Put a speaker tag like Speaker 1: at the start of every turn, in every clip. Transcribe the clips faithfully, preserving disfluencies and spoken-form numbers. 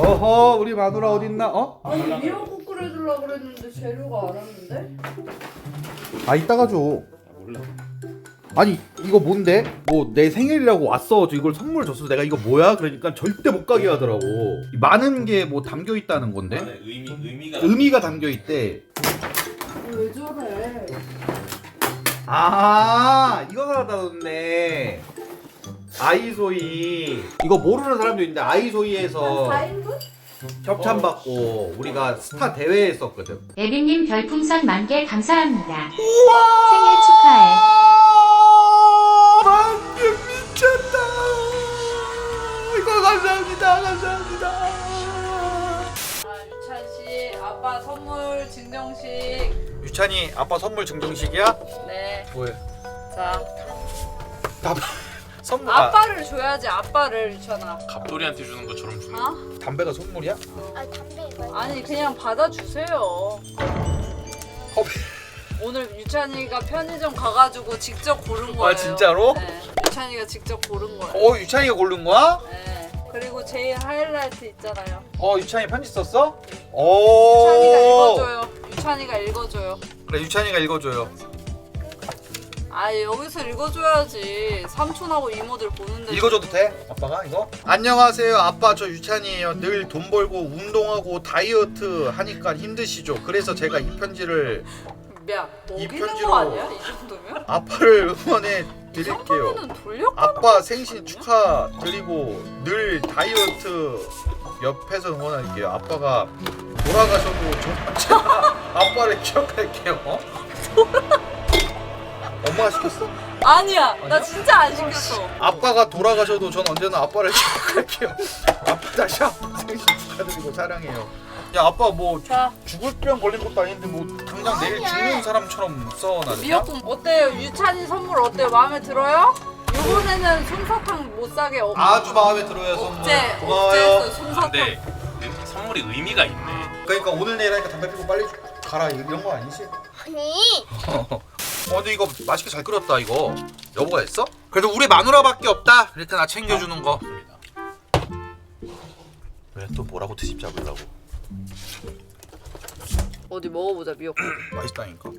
Speaker 1: 어허, 우리 마누라 어딨나? 어?
Speaker 2: 아니 미역국 끓여주려고 그랬는데 재료가 안 왔는데?
Speaker 1: 아, 이따가 줘.
Speaker 3: 몰라.
Speaker 1: 아니, 이거 뭔데? 뭐 내 생일이라고 왔어. 저 이걸 선물 줬어. 내가 이거 뭐야? 그러니까 절대 못 가게 하더라고. 많은 게 뭐 담겨 있다는 건데.
Speaker 3: 안에 의미 의미가
Speaker 1: 의미가 담겨 있대.
Speaker 2: 왜 저래?
Speaker 1: 아, 이거 사다 뒀네. 아이소이. 이거 모르는 사람도 있는데 아이소이에서
Speaker 2: 사 인분?
Speaker 1: 협찬받고 우리가 스타 대회에 했었거든.
Speaker 4: 에비님 별풍선 만 개 감사합니다. 생일 축하해.
Speaker 1: 만개 미쳤다. 이거 감사합니다. 감사합니다.
Speaker 2: 아 유찬 씨 아빠 선물 증정식.
Speaker 1: 유찬이 아빠 선물 증정식이야?
Speaker 2: 네.
Speaker 1: 뭐해?
Speaker 2: 자
Speaker 1: 나 선물. 아,
Speaker 2: 아빠를 줘야지 아빠를 유찬아.
Speaker 3: 갑돌이한테 주는 것처럼 주는.
Speaker 2: 어?
Speaker 1: 담배가 선물이야?
Speaker 5: 아 담배 이거
Speaker 2: 아니 그냥 받아주세요.
Speaker 1: 컵.
Speaker 2: 오늘 유찬이가 편의점 가가지고 직접 고른 거예요.
Speaker 1: 아, 진짜로?
Speaker 2: 네. 유찬이가 직접 고른 거예요.
Speaker 1: 어, 유찬이가 고른 거야?
Speaker 2: 네. 그리고 제일 하이라이트 있잖아요.
Speaker 1: 어, 유찬이 편지 썼어? 오.
Speaker 2: 유찬이가 읽어줘요. 유찬이가 읽어줘요.
Speaker 1: 그래, 유찬이가 읽어줘요.
Speaker 2: 아 여기서 읽어줘야지. 삼촌하고 이모들 보는데.
Speaker 1: 읽어줘도 돼? 아빠가 이거? 안녕하세요, 아빠. 저 유찬이에요. 늘 돈 벌고 운동하고 다이어트 하니까 힘드시죠? 그래서 제가 이 편지를
Speaker 2: 야,
Speaker 1: 이
Speaker 2: 먹이는
Speaker 1: 편지로-
Speaker 2: 거 아니야? 이 정도면?
Speaker 1: 아빠를 응원해
Speaker 2: 이
Speaker 1: 드릴게요.
Speaker 2: 정도면은 돌려?
Speaker 1: 아빠 생신 축하드리고 늘 다이어트 옆에서 응원할게요. 아빠가 돌아가셔도 저 제가 아빠를 기억할게요. 어? 엄마가 시켰어?
Speaker 2: 아니야, 나 진짜 안 시켰어.
Speaker 1: 아빠가 돌아가셔도 전 언제나 아빠를 기억할게요. 아빠 다시 한번 생신 축하드리고 사랑해요. 야, 아빠 뭐
Speaker 2: 자,
Speaker 1: 죽을 병 걸린 것도 아닌데 뭐 당장 내일 죽는 사람처럼 써놔.
Speaker 2: 미역국 어때요? 유찬이 선물 어때요? 마음에 들어요? 이번에는 솜사탕 못 사게 억...
Speaker 1: 아주 마음에 들어요, 선물.
Speaker 2: 억제,
Speaker 1: 고마워요.
Speaker 2: 억제했어요, 솜사탕.
Speaker 3: 근데 의- 선물이 의미가 있네.
Speaker 1: 그러니까 오늘 내일 하니까 담배 피고 빨리 가라 이런 거 아니지?
Speaker 5: 아니
Speaker 1: 어 근데 이거 맛있게 잘 끓였다 이거. 여보가 했어? 그래도 우리 마누라밖에 없다. 이렇게 나 챙겨주는 거. 왜 또 뭐라고 트집 잡으려고?
Speaker 2: 어디 먹어보자, 미역국.
Speaker 1: 맛있다니까.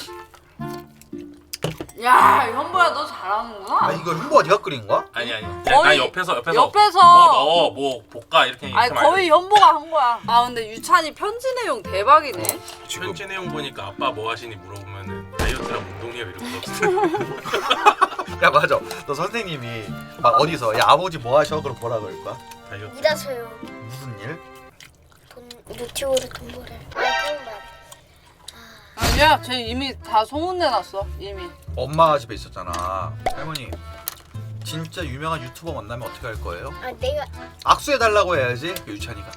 Speaker 2: 야, 현보야 너 잘하는구나.
Speaker 1: 아 이거 흉보가 네가 끓인 거야?
Speaker 3: 아니 아니. 그냥
Speaker 2: 거의
Speaker 3: 나 옆에서 옆에서
Speaker 2: 옆에서.
Speaker 3: 뭐 넣어 뭐 볶아 이렇게.
Speaker 2: 아니
Speaker 3: 이렇게
Speaker 2: 거의 현보가 한 거야. 아 근데 유찬이 편지 내용 대박이네.
Speaker 1: 지금
Speaker 3: 편지 내용 보니까 아빠 뭐 하시니 물어보면은 다이어트랑 운동해요 이런 거 없어.
Speaker 1: 야 맞아. 너 선생님이 막 어디서 야 아버지 뭐 하셔? 그럼 뭐라 그럴 거야?
Speaker 3: 다이어트.
Speaker 5: 일하세요.
Speaker 1: 무슨 일?
Speaker 5: 돈 유튜브로 돈 벌어. 아 그런 말.
Speaker 2: 아니야, 쟤 이미 다 소문내놨어 이미.
Speaker 1: 엄마 집에 있었잖아. 할머니 진짜 유명한 유튜버 만나면 어떻게 할 거예요?
Speaker 5: 아 내가
Speaker 1: 악수해 달라고 해야지. 그 유찬이가.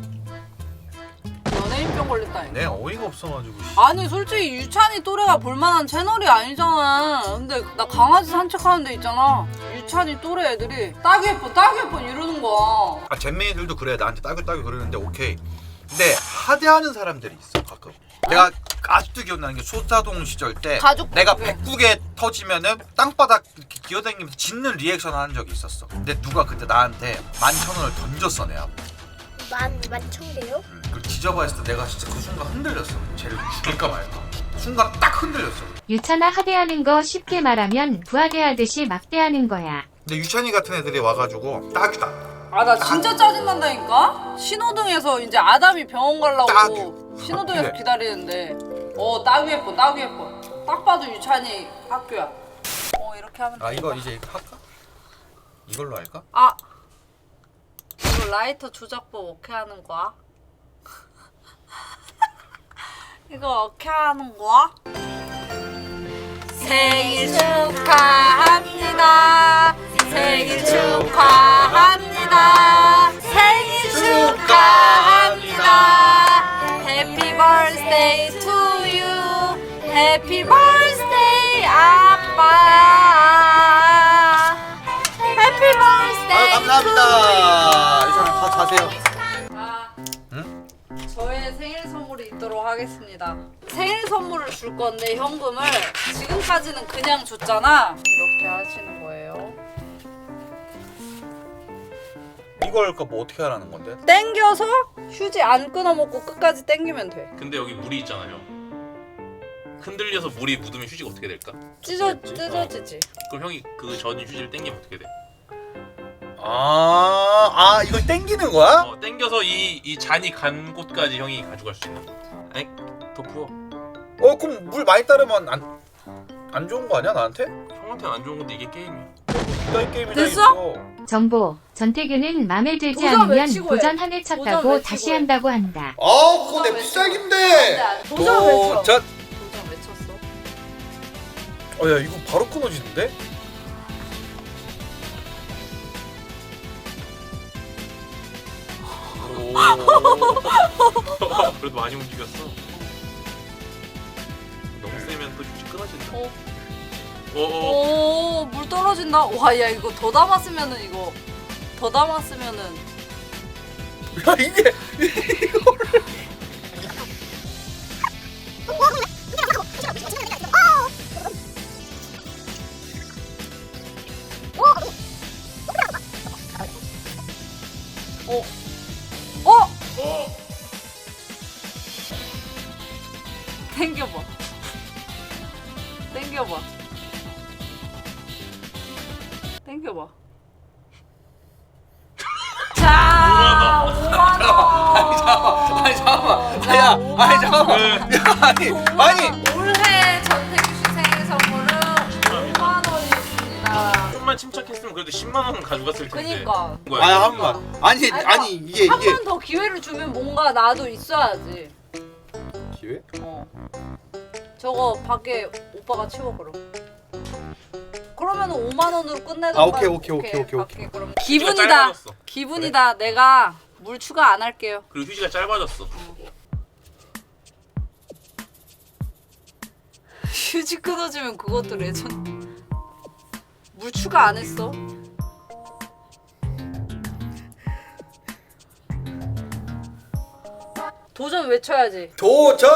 Speaker 2: 연예인병 걸렸다니까.
Speaker 1: 내 어이가 없어가지고. 씨.
Speaker 2: 아니 솔직히 유찬이 또래가 볼만한 채널이 아니잖아. 근데 나 강아지 산책하는 데 있잖아. 유찬이 또래 애들이 딱 예뻐 딱 예뻐 이러는 거야.
Speaker 1: 아 잼민이들도 그래. 나한테 따글따글 그러는데 오케이. 근데 하대하는 사람들이 있어 가끔. 내가 아직도 기억나는 게 소사동 시절 때
Speaker 2: 가족
Speaker 1: 내가
Speaker 2: 그게.
Speaker 1: 백국에 터지면은 땅바닥 이렇게 기어다니면서 짖는 리액션 하는 적이 있었어. 근데 누가 그때 나한테 만천 원을 던졌어 내 앞에.
Speaker 5: 만 만청돼요?
Speaker 1: 음, 그걸 지져봤을 때 내가 진짜 그 순간 흔들렸어. 쟤를 죽일까 말까. 순간 딱 흔들렸어.
Speaker 4: 유찬아 하대하는 거 쉽게 말하면 부하대하듯이 막대하는 거야.
Speaker 1: 근데 유찬이 같은 애들이 와가지고 딱이다.
Speaker 2: 아 나 진짜 짜증난다니까. 신호등에서 이제 아담이 병원 가려고
Speaker 1: 딱.
Speaker 2: 신호등에서
Speaker 1: 그래.
Speaker 2: 기다리는데 어 딱 예뻐 딱 예뻐. 딱 봐도 유찬이 학교야. 어 이렇게 하면
Speaker 1: 아 이거
Speaker 2: 되겠다.
Speaker 1: 이제 할까? 이걸로 할까?
Speaker 2: 아 이거 라이터 조작법 어떻게 하는 거야? 이거 어떻게 하는 거야? 생일 축하합니다. 생일 축하합니다. 생일 축하합니다. Happy birthday to you. Happy birthday 아빠. Happy birthday.
Speaker 1: 아 감사합니다. 유찬아 다 자세요.
Speaker 2: 아,
Speaker 1: 응?
Speaker 2: 저의 생일 선물이 있도록 하겠습니다. 생일 선물을 줄 건데 현금을 지금까지는 그냥 줬잖아. 이렇게 하시는 거예요.
Speaker 1: 이거 걸까 뭐 어떻게 하라는 건데?
Speaker 2: 땡겨서 휴지 안 끊어먹고 끝까지 땡기면 돼.
Speaker 3: 근데 여기 물이 있잖아요. 흔들려서 물이 묻으면 휴지가 어떻게 될까?
Speaker 2: 찢어
Speaker 3: 그랬지?
Speaker 2: 찢어지지.
Speaker 3: 그럼 형이 그 젖은 휴지를 땡기면 어떻게 돼?
Speaker 1: 아, 아 이걸 땡기는 거야?
Speaker 3: 어, 땡겨서 이, 이 잔이 간 곳까지 형이 가져갈 수 있는 거. 아니, 더 부어.
Speaker 1: 어 그럼 물 많이 따르면 안, 안 좋은 거 아니야 나한테?
Speaker 3: 형한테는 안 좋은 건데 이게 게임이야.
Speaker 1: 나이 게임이
Speaker 2: 됐어?
Speaker 4: 정보. 전태규는 맘에 들지
Speaker 2: 도전
Speaker 4: 않으면
Speaker 2: 외치고 해.
Speaker 4: 도전 한 회 쳤다고
Speaker 2: 도전 외치고
Speaker 4: 다시
Speaker 2: 해.
Speaker 4: 한다고 한다.
Speaker 1: 아 그거
Speaker 2: 도전
Speaker 1: 내
Speaker 2: 외쳐.
Speaker 1: 필살기인데.
Speaker 2: 안돼 안돼. 도전 외쳐.
Speaker 1: 도전.
Speaker 2: 도전 외쳤어.
Speaker 1: 어야 이거 바로 끊어지는데?
Speaker 3: 오. 그래도 많이 움직였어. 너무 세면 또 휴지 끊어진다.
Speaker 2: 어.
Speaker 3: 오.
Speaker 2: 오, 물 떨어진다. 와, 야 이거 더 담았으면은 이거 더 담았으면은
Speaker 1: 야 이게
Speaker 2: 어. 어?
Speaker 3: 어.
Speaker 2: 당겨봐. 당겨봐. 당겨봐. 자, 오만 원.
Speaker 1: 아니 잠깐만
Speaker 2: 자,
Speaker 1: 야
Speaker 2: 오만
Speaker 1: 아니 잠깐만
Speaker 3: 네.
Speaker 1: 야 아니 아니
Speaker 2: 올해 전태규 씨 생일 선물은 오만 원이었습니다.
Speaker 3: 좀만 침착했으면 그래도 십만 원은 가져갔을 텐데.
Speaker 2: 그니까.
Speaker 3: 뭐야,
Speaker 1: 아니
Speaker 3: 이거?
Speaker 1: 한번 아니
Speaker 2: 아니,
Speaker 1: 아니 이게
Speaker 2: 한
Speaker 1: 이게
Speaker 2: 번 더 기회를 주면 뭔가 나도 있어야지.
Speaker 1: 기회?
Speaker 2: 어. 저거 밖에 오빠가 치워 그럼. 그러면 오만 원으로 끝내던가.
Speaker 1: 아, 오케이, 오케이, 오케이, 오케이,
Speaker 2: 밖에 그럼.
Speaker 3: 휴지가
Speaker 2: 기분이다.
Speaker 3: 짧아졌어.
Speaker 2: 기분이다. 내가 물 추가 안 할게요.
Speaker 3: 그리고 휴지가 짧아졌어.
Speaker 2: 휴지 끊어지면 그것도 레전드. 물 추가 안 했어. 도전 외쳐야지.
Speaker 1: 도전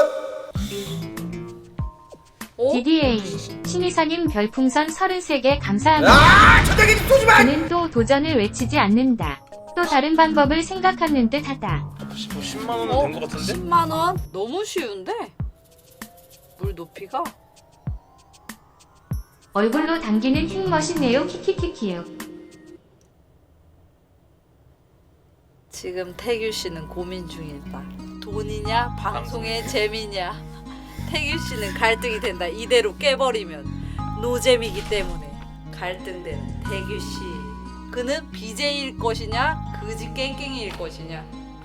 Speaker 2: 어?
Speaker 4: 디디에이. 신이사님 별풍선 서른세 개 감사합니다.
Speaker 1: 아 천장에 좀 쏘지 마.
Speaker 4: 그는 또 도전을 외치지 않는다. 또 다른 방법을 생각하는 듯 하다.
Speaker 3: 십만 원은
Speaker 2: 어?
Speaker 3: 된 것 같은데?
Speaker 2: 십만 원? 너무 쉬운데? 물 높이가?
Speaker 4: 얼굴로 당기는 힘 멋있네요. 키키키키요.
Speaker 2: 지금 태규 씨는 고민 중이다. 돈이냐 방송의 재미냐. 태규 씨는 갈등이 된다. 이대로 깨버리면 노잼이기 때문에 갈등되는 태규 씨. 그는 비제이일 것이냐 그지 깽깽이일 것이냐.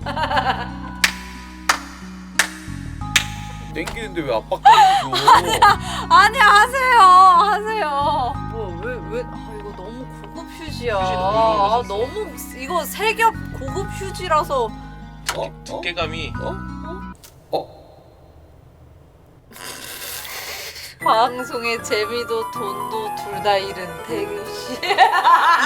Speaker 1: 땡기는데 왜 압박감을 줘?
Speaker 2: 아니 하세요 하세요. 뭐왜왜 아, 이거 너무 고급 휴지야.
Speaker 3: 휴지 너무
Speaker 2: 아,
Speaker 3: 좋아졌어.
Speaker 2: 너무 이거 세겹 고급 휴지라서.
Speaker 1: 어? 어?
Speaker 3: 두께감이
Speaker 1: 어?
Speaker 2: 방송의 재미도 돈도 둘 다 잃은 태규 씨.